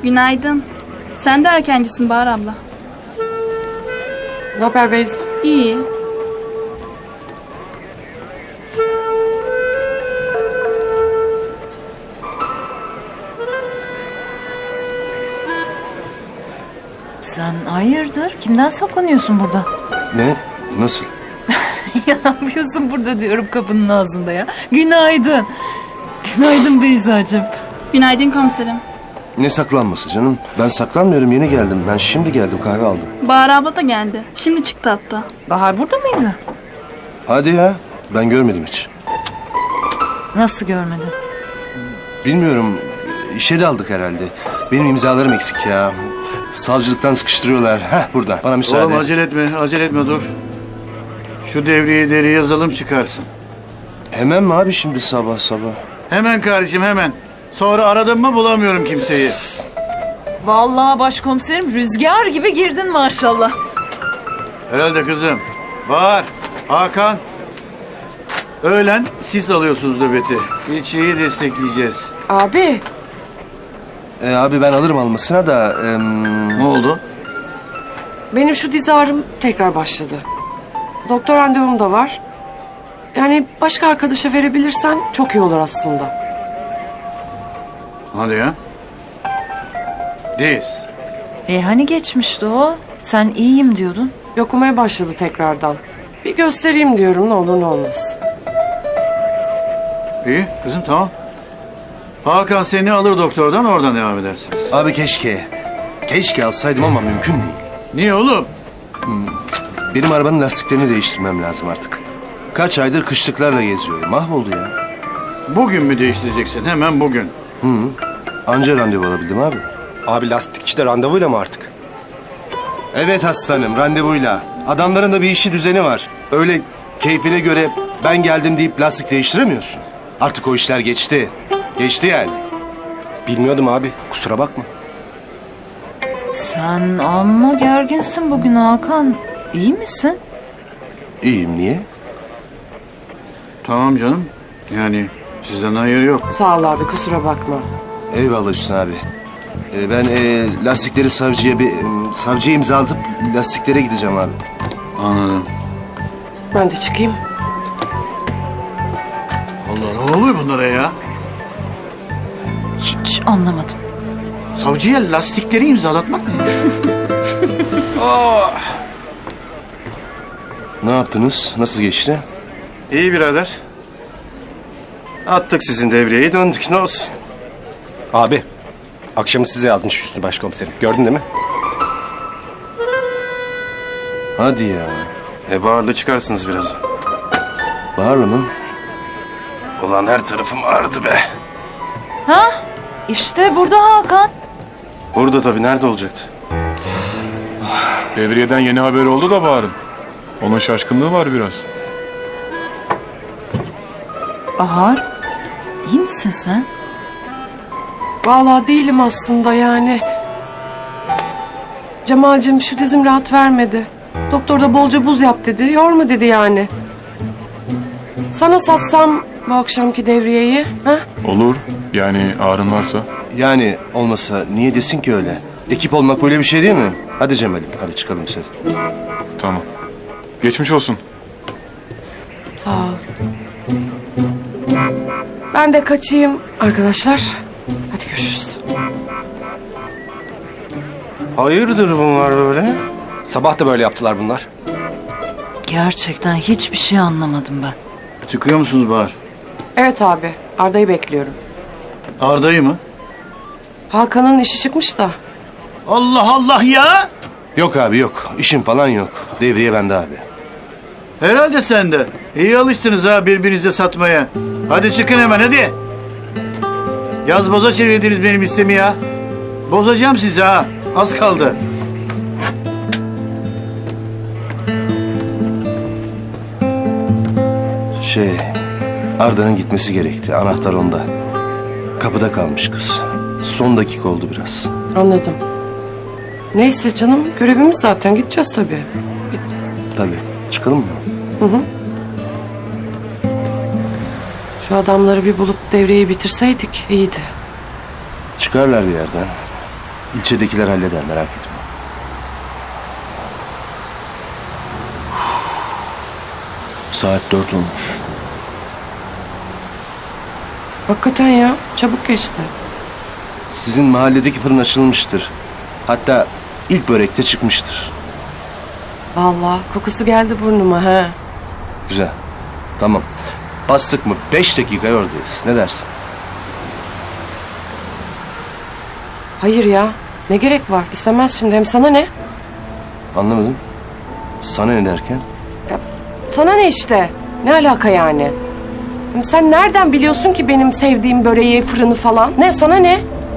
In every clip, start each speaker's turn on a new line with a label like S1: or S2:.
S1: Günaydın. Sen de erkencisin Bahar abla.
S2: Ne haber Beyza?
S1: İyi.
S3: Sen hayırdır? Kimden saklanıyorsun burada?
S4: Ne? Nasıl?
S3: Ya ne yapıyorsun burada diyorum kapının ağzında ya. Günaydın. Günaydın Beyzacığım.
S1: Günaydın komiserim.
S4: Ne saklanması canım? Ben saklanmıyorum, yeni geldim. Ben şimdi geldim, kahve aldım.
S1: Bahar abla da geldi. Şimdi çıktı hatta.
S3: Bahar burada mıydı?
S4: Hadi ya, ben görmedim hiç.
S3: Nasıl görmedin?
S4: Bilmiyorum, işe daldık herhalde. Benim imzalarım eksik ya. Savcılıktan sıkıştırıyorlar. Heh, burada, bana müsaade.
S5: Oğlum acele etme dur. Şu devriye deri yazalım çıkarsın.
S4: Hemen mi abi şimdi sabah sabah?
S5: Hemen kardeşim hemen. Sonra aradım mı bulamıyorum kimseyi.
S3: Vallahi başkomiserim rüzgar gibi girdin maşallah.
S5: Herhalde kızım. Var. Hakan. Öğlen siz alıyorsunuz nöbeti. İlçeyi destekleyeceğiz.
S2: Abi,
S4: Abi ben alırım almasına da...
S5: Ne oldu?
S2: benim şu diz ağrım tekrar başladı. Doktor randevum da var. Yani başka arkadaşa verebilirsen çok iyi olur aslında.
S5: Hadi ya. Diz.
S3: Hani geçmişti o? Sen iyiyim diyordun.
S2: Yokumaya başladı tekrardan. Bir göstereyim diyorum, ne olur ne olmaz.
S5: İyi kızım tamam. Hakan seni alır doktordan, oradan devam edersiniz.
S4: Abi keşke. Keşke alsaydım ama mümkün değil.
S5: Niye oğlum?
S4: Benim arabanın lastiklerini değiştirmem lazım artık. Kaç aydır kışlıklarla geziyorum. Mahvoldu ya.
S5: Bugün mü değiştireceksin? Hemen bugün.
S4: Anca randevu alabildim abi.
S6: Abi lastikçide randevuyla mı artık?
S4: Evet aslanım, randevuyla. Adamların da bir işi düzeni var. Öyle keyfine göre ben geldim deyip lastik değiştiremiyorsun. Artık o işler geçti. Geçti yani.
S6: Bilmiyordum abi. Kusura bakma.
S3: Sen amma gerginsin bugün Hakan. İyi misin?
S4: İyiyim, niye?
S5: Tamam canım. Yani sizden hayır yok.
S2: Sağ ol abi, kusura bakma.
S4: Eyvallah Hüsnü abi. Ben lastikleri savcıya imzalatıp lastiklere gideceğim abi.
S5: Anladım.
S2: Ben de çıkayım.
S5: Allah ne oluyor bunlara ya?
S3: Hiç anlamadım.
S5: Savcıya lastikleri imzalatmak ne?
S4: Ne yaptınız? Nasıl geçti?
S6: İyi birader. Attık sizin devriyeyi, döndük, ne olsun. Abi, akşamı size yazmış Hüsnü Başkomiserim. Gördün değil mi?
S4: Hadi ya.
S6: Baharlı çıkarsınız biraz.
S4: Baharlı mı?
S6: Ulan her tarafım ağrıdı be.
S3: İşte burada Hakan.
S6: Burada tabii, nerede olacaktı?
S7: Devriyeden yeni haber oldu da Bahar'ın. Onun şaşkınlığı var biraz.
S3: Bahar, iyi misin sen?
S2: Vallahi değilim aslında yani. Cemal'cim şu dizim rahat vermedi. Doktor da bolca buz yap dedi. Yorma dedi yani. Sana satsam bu akşamki devriyeyi. Ha?
S7: Olur. Yani ağrın varsa.
S4: Yani olmasa niye desin ki öyle? Ekip olmak böyle bir şey değil mi? Hadi Cemal'im, hadi çıkalım sen.
S7: Tamam. Geçmiş olsun.
S2: Sağ ol. Ben de kaçayım arkadaşlar. Hadi görüşürüz.
S6: Hayırdır bunlar böyle? Sabah da böyle yaptılar bunlar.
S3: Gerçekten hiçbir şey anlamadım ben.
S5: Çıkıyor musunuz Bahar?
S2: Evet abi, Arda'yı bekliyorum.
S5: Arda'yı mı?
S2: Hakan'ın işi çıkmış da.
S5: Allah Allah ya!
S4: Yok abi yok. İşim falan yok. Devriye bende abi.
S5: Herhalde sen de. İyi alıştınız ha birbirinize satmaya. Hadi çıkın hemen hadi. Yaz boza çevirdiniz benim istemi ya. Bozacağım sizi ha. Az kaldı.
S4: Arda'nın gitmesi gerekti. Anahtar onda. Kapıda kalmış kız. Son dakika oldu biraz.
S2: Anladım. Neyse canım, görevimiz zaten, gideceğiz tabii.
S4: Tabii. Çıkalım mı?
S2: Şu adamları bir bulup devreyi bitirseydik iyiydi.
S4: Çıkarlar bir yerden. İlçedekiler halleder, merak etme. Saat 4 olmuş.
S2: Hakikaten ya, çabuk geçti.
S4: Sizin mahalledeki fırın açılmıştır. Hatta ilk börekte çıkmıştır.
S2: Vallahi kokusu geldi burnuma ha.
S4: Güzel. Tamam. Bastık mı 5 dakikaya oradayız. Ne dersin?
S2: Hayır ya, ne gerek var? İstemez şimdi, hem sana ne?
S4: Anlamadım. Sana ne derken?
S2: Sana ne işte? Ne alaka yani? Hem sen nereden biliyorsun ki benim sevdiğim böreği, fırını falan? Ne, sana ne?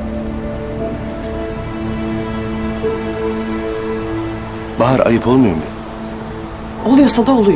S4: Bahar, ayıp olmuyor mu?
S2: Oluyorsa da oluyor.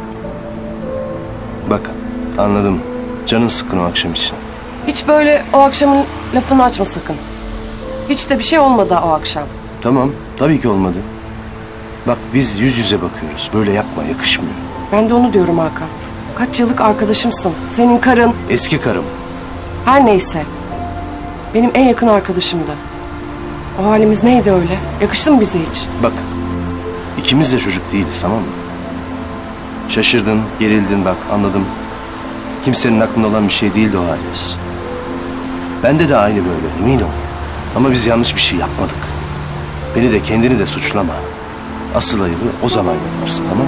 S4: Bak, anladım. Canın sıkkın o akşam için.
S2: Hiç böyle o akşamın lafını açma sakın. Hiç de bir şey olmadı o akşam.
S4: Tamam, tabii ki olmadı. Bak, biz yüz yüze bakıyoruz. Böyle yapma, yakışmıyor.
S2: Ben de onu diyorum Hakan. Kaç yıllık arkadaşımsın. Senin karın,
S4: Eski karım.
S2: her neyse. Benim en yakın arkadaşımdı. O halimiz neydi öyle? Yakıştı mı bize hiç?
S4: Bak, ikimiz de çocuk değiliz, tamam mı? Şaşırdın, gerildin, bak anladım. Kimsenin aklında olan bir şey değildi o halimiz. Bende de aynı böyle, emin ol. Ama biz yanlış bir şey yapmadık. Beni de kendini de suçlama. Asıl ayıbı o zaman yaparsın, tamam mı?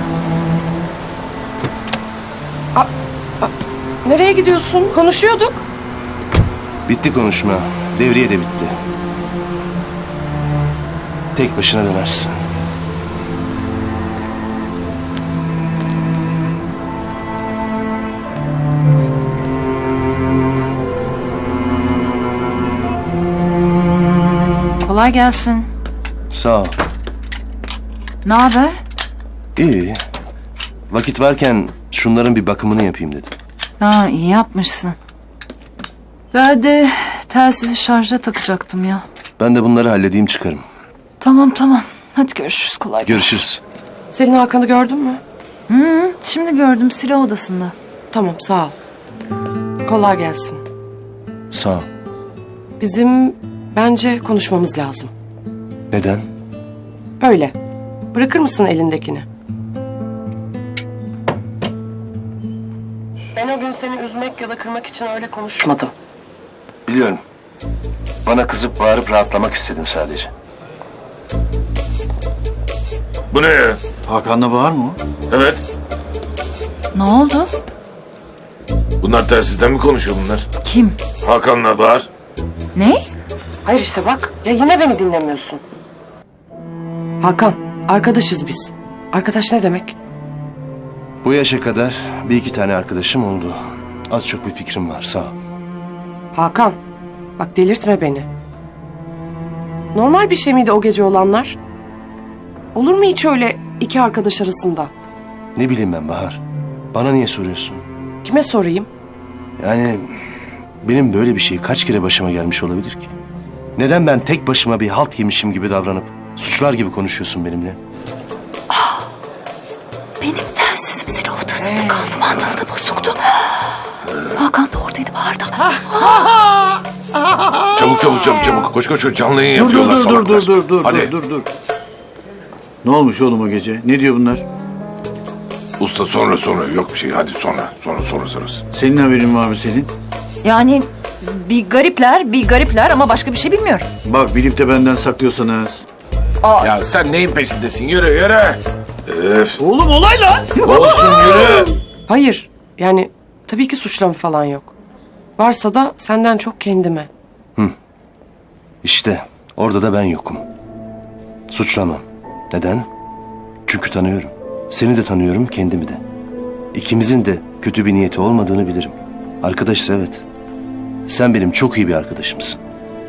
S2: Nereye gidiyorsun? Konuşuyorduk.
S4: Bitti konuşma. Devriye de bitti. Tek başına dönersin.
S3: Kolay gelsin.
S4: Sağ ol.
S3: Ne haber?
S4: İyi. Vakit varken şunların bir bakımını yapayım dedim.
S3: Ha, iyi yapmışsın. Ben de telsizi şarja takacaktım ya.
S4: Ben de bunları halledeyim çıkarım.
S3: Tamam tamam. Hadi görüşürüz. Kolay gelsin.
S4: Görüşürüz.
S2: Selin Hakan'ı gördün mü?
S3: Şimdi gördüm silah odasında.
S2: Tamam, sağ ol. Kolay gelsin.
S4: Sağ ol.
S2: Bizim bence konuşmamız lazım.
S4: Neden?
S2: Öyle. Bırakır mısın elindekini? Ben o gün seni üzmek ya da kırmak için öyle konuşmadım.
S4: Biliyorum. Bana kızıp bağırıp rahatlamak istedin sadece.
S7: Bu ne ya?
S5: Hakan'la Bahar mı o?
S7: Evet.
S3: Ne oldu?
S7: Bunlar telsizden mi konuşuyor bunlar?
S3: Kim?
S7: Hakan'la Bahar.
S3: Ne?
S2: Hayır işte bak. Ya yine beni dinlemiyorsun. Hakan, arkadaşız biz. Arkadaş ne demek?
S4: Bu yaşa kadar bir iki tane arkadaşım oldu. Az çok bir fikrim var, sağ ol.
S2: Hakan, bak delirtme beni. Normal bir şey miydi o gece olanlar? Olur mu hiç öyle iki arkadaş arasında?
S4: Ne bileyim ben Bahar. Bana niye soruyorsun?
S2: Kime sorayım?
S4: Yani benim böyle bir şey kaç kere başıma gelmiş olabilir ki? Neden ben tek başıma bir halt yemişim gibi davranıp suçlar gibi konuşuyorsun benimle?
S3: Benim telsizim silah odasında kaldı. Mandalı da bozuktu. Hakan da oradaydı Bahar'da.
S7: Çabuk. Koş. Canlı yayın
S5: Dur
S7: yapıyorlar salaklar. Hadi.
S5: dur. Ne olmuş oğlum o gece? Ne diyor bunlar?
S7: Usta sonra. Yok bir şey. Hadi sonra.
S5: Senin haberin var mı senin?
S3: Yani bir garipler ama başka bir şey bilmiyorum.
S5: Bak bilip de benden saklıyorsanız.
S7: Ya sen neyin peşindesin? Yürü. Öf.
S5: Oğlum olay lan!
S7: Olsun yürü.
S2: Hayır, yani tabii ki suçlama falan yok. Varsa da senden çok kendime.
S4: İşte orada da ben yokum. Suçlamam. Neden? Çünkü tanıyorum. Seni de tanıyorum, kendimi de. İkimizin de kötü bir niyeti olmadığını bilirim. Arkadaşız evet. Sen benim çok iyi bir arkadaşımsın.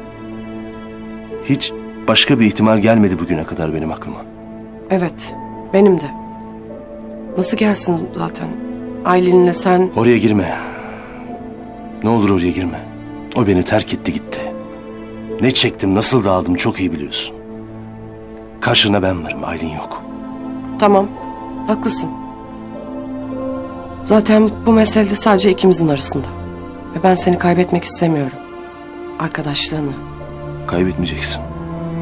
S4: Hiç başka bir ihtimal gelmedi bugüne kadar benim aklıma.
S2: Evet, benim de. Nasıl gelsin zaten? Aylin'le sen...
S4: Oraya girme. Ne olur oraya girme. O beni terk etti gitti. Ne çektim, nasıl dağıldım çok iyi biliyorsun. Karşına ben varım, Aylin yok.
S2: Tamam, haklısın. Zaten bu mesele de sadece ikimizin arasında. Ve ben seni kaybetmek istemiyorum. Arkadaşlığını.
S4: Kaybetmeyeceksin.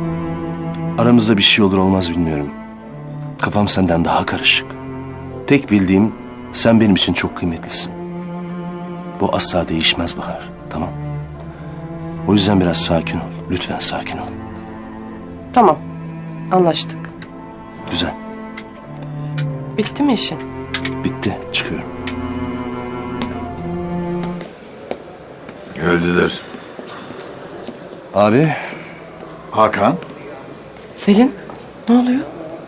S4: Aramızda bir şey olur olmaz bilmiyorum. Kafam senden daha karışık. Tek bildiğim sen benim için çok kıymetlisin. Bu asla değişmez Bahar, tamam? O yüzden biraz sakin ol. Lütfen sakin ol.
S2: Tamam. Anlaştık.
S4: Güzel.
S2: Bitti mi işin?
S4: Bitti. Çıkıyorum.
S5: Geldiler.
S4: Abi,
S5: Hakan.
S2: Selin, ne oluyor?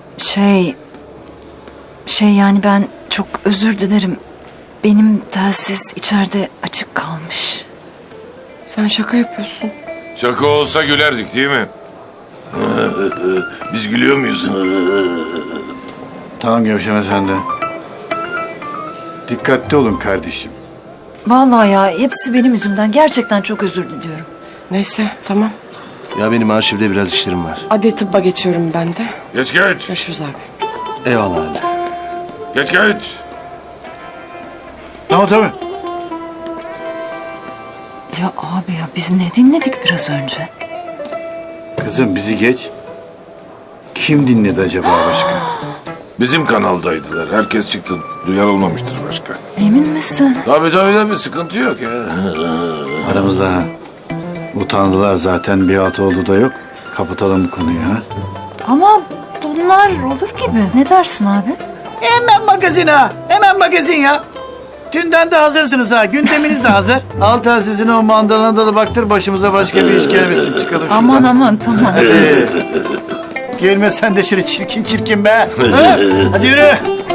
S3: Şey yani ben çok özür dilerim. Benim telsiz içeride açık kalmış.
S2: Sen şaka yapıyorsun.
S8: Şaka olsa gülerdik değil mi? Biz gülüyor muyuz?
S5: Tamam Gevşeme sen de. Dikkatli olun kardeşim.
S3: Vallahi ya hepsi benim yüzümden. Gerçekten çok özür diliyorum.
S2: Neyse, tamam.
S4: ya benim arşivde biraz işlerim var.
S2: Adli tıbba geçiyorum ben de.
S8: Geç geç.
S2: Görüşürüz abi.
S4: Eyvallah abi.
S8: Geç geç.
S5: Tamam tabii.
S3: Ya abi ya biz ne dinledik biraz önce?
S5: Kızım bizi geç. Kim dinledi acaba başka?
S8: Bizim kanaldaydılar. Herkes çıktı. Duyan olmamıştır başka.
S3: Emin misin?
S8: Tabii sıkıntı yok ya.
S5: Aramızda ha. Utandılar zaten, bir altı oldu da yok. Kapatalım bu konuyu ha.
S3: Ama bunlar olur gibi. Ne dersin abi?
S5: Hemen magazin ha. Hemen magazin ya. Dünden de hazırsınız ha. Gündeminiz de hazır. Al telsizini o mandalına da baktır, başımıza başka bir iş gelmesin. Çıkalım şuradan.
S3: Aman tamam.
S5: Gelme sen de şöyle çirkin be. Ha? Hadi yürü.